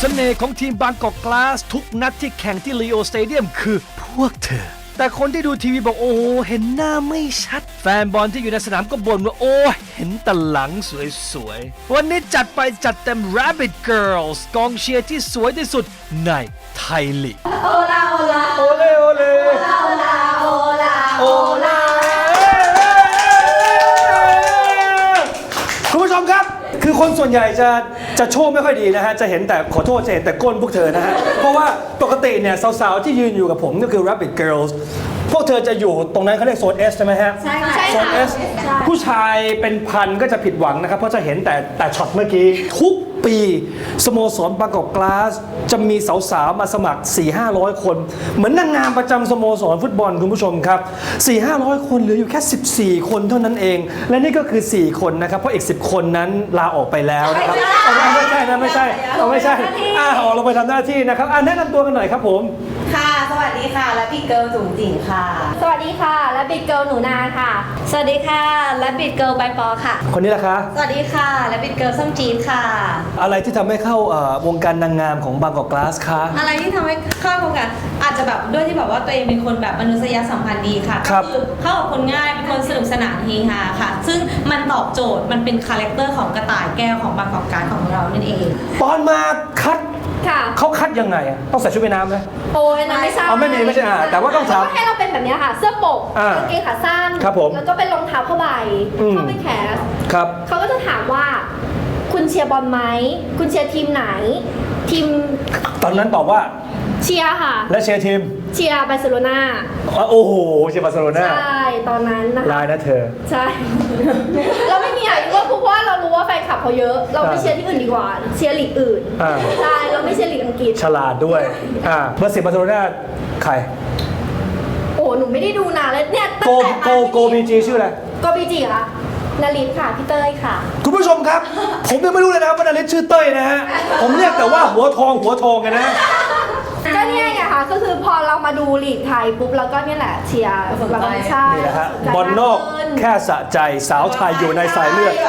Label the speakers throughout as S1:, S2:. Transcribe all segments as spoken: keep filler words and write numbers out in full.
S1: สน่ห์ของทีมบางกอกกลาสทุกนัดที่แข่งที่ลีโอสเตเดียมคือพวกเธอแต่คนที่ดูทีวีบอกโอ้เห็นหน้าไม่ชัดแฟนบอลที่อยู่ในสนามก็บ่นว่าโอ้เห็นแต่หลังสวยๆวันนี้จัดไปจัดเต็ม Rabbit Girls กองเชียร์ที่สวยที่สุดในไทยลีกโอลาโอลาโอเลโอเลโอลาโอลาโอลาโอลาคุณผู้ชมครับคือคนส่วนใหญ่จะจะโชว์ไม่ค่อยดีนะฮะจะเห็นแต่ขอโทษจะเห็นแต่ก้นพวกเธอนะฮะเพราะว่าปกติเนี่ยสาวๆที่ยืนอยู่กับผมก็คือ Rabbit Girls พวกเธอจะอยู่ตรงนั้นเขาเรียกโซน S ใช่ไหมฮะใช่ค่ะโซน S ผู้ชายเป็นพันก็จะผิดหวังนะครับเพราะจะเห็นแต่แต่ช็อตเมื่อกี้ทุกปีสโมสรบางกอกกลาสจะมีสาวๆมาสมัคร สี่ห้าร้อย คนเหมือนนางงามประจำสโมสรฟุตบอลคุณผู้ชมครับ สี่ห้าร้อย คนเหลืออยู่แค่สิบสี่คนเท่านั้นเองและนี่ก็คือสี่คนนะครับเพราะอีกสิบคนนั้นลาออกไปแล้วนะครับไม่ใช่นะไม่ใช่เอาไม่ใช่อ่าออกเราไปทำหน้าที่นะครับอ่าแนะนำตัวกันหน่อยครับผม
S2: ค่ะสวัสดีค่ะและบิ๊กเกิร์ลจุ๋งจิ๋งค่ะ
S3: สวัสดีค่ะและบิ๊กเกิร์ลหนูนาค่ะสวัสดีค่ะและบิ๊กเกิร์ลใบปอค่ะ
S1: คนนี้ล่ะคะ
S2: สวัสดีค่ะและบิ๊กเกิร์ลส้มจี๊ดค่ะ
S1: อะไรที่ทำให้เข้าวงการนางงามของบางกอกกลาสคะ
S2: อะไรที่ทำให้เข้าวงการอาจจะแบบด้วยที่แบบว่าตัวเองเป็นคนแบบมนุษยสัมพันธ์ดีค่ะ
S1: ครับ
S2: คือเข้ากับคนง่ายเป็นคนสนุกสนานเฮฮาค่ะซึ่งมันตอบโจทย์มันเป็นคาแรคเตอร์ของกระต่ายแก้วของบางกอกกลาสของเรานั่นเอง
S1: ตอนมาคัด
S3: ค่ะ
S1: เขาคัดยังไงอ่ะต้องใส่ชุดว่ายน้ำไหม
S3: โอ้ยนะไม่ใช่
S1: เอาไม่มีไม่ใช่อ่าแต่ว่าต้องถาม
S3: ให้เราเป็นแบบนี้ค่ะเสื้อปกกางเกงขาสั้น
S1: ครับผม
S3: แล้วก็เป็นรองเท้าผ้าใบเข้าไปแคส
S1: ครับ
S3: เขาก็จะถามว่าคุณเชียร์บอลไหมคุณเชียร์ทีมไหนทีม
S1: ตอนนั้นตอบว่า
S3: เชียร์ค่ะ
S1: และเชียร์ทีม
S3: เชียร์บาร์เซโลนา
S1: โอ้โหเชียร์บาร์เซโลนา
S3: ใช่ตอนนั้นนะคะ
S1: ลายนะเธอ
S3: ใช่เราไม่มีอะไรว่าเพราะว่าเรารู้ว่าแฟนคลับเขาเยอะเราไปเชียร์ที่อื่นดีกว่าเชียร์ลีกอื่นใช่เราไม่เชียร์ลีกอังกฤษ
S1: ฉลาดด้วยอ่าเบอร์สิบบาร์เซโลนาใคร
S3: โอ้หนูไม่ได้ดูนานเลยเนี่ย
S1: โกโกโกบีจีชื่ออะไร
S3: โกบีจีค่ะนาริสค่ะพี่เต้ยค่ะ
S1: คุณผู้ชมครับผมยังไม่รู้เลยนะครับว่านาริสชื่อเต้ยนะฮะผมเรียกแต่ว่าหัวทองหัวทองกันนะ
S3: ก็เนี่ยไงค่ะก็คือพอเรามาดูลีกไทยปุ๊บแล้วก็เนี่ยแหละเชียร์บางชาติ
S1: นี่แหละฮะบอลนอกแค่สะใจสาวไทยอยู่ในสายเลือด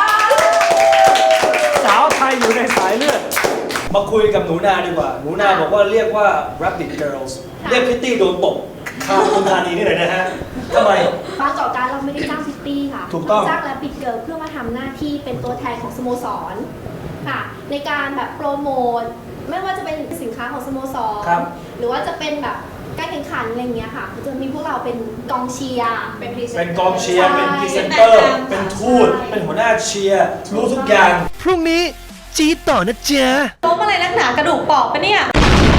S1: สาวไทยอยู่ในสายเลือดมาคุยกับหนูนาดีกว่าหนูนาบอกว่าเรียกว่า Rabbit Girls เรียกพิตตี้โดนตบข้าวคุณธานีนี่เลยนะฮะทำไม
S3: บางกอกกลาสเราไม่ได้จ้างพิตตี้ค่ะ
S1: ถูกต้อง
S3: จ้างและปิดเกิร์ลเพื่อมาทำหน้าที่เป็นตัวแทนของสโมสรค่ะในการแบบโปรโมทไม่ว่าจะเป็นสินค้าของสโมสรหรือว่าจะเป็นแบบการแข่งขันอะไรเงี้ยค่ะจะมีพวกเราเป็นกองเชียร์
S1: เป็นเป็นกองเชียร์เป็นพรีเซนเตอร์เป็นทูตเป็นหัวหน้าเชียร์รู้ทุกอย่างพรุ่งนี้จีต่อนะจ๊ะ
S2: ล้มอะไรนักหนากระดูกปอกปะเนี่ย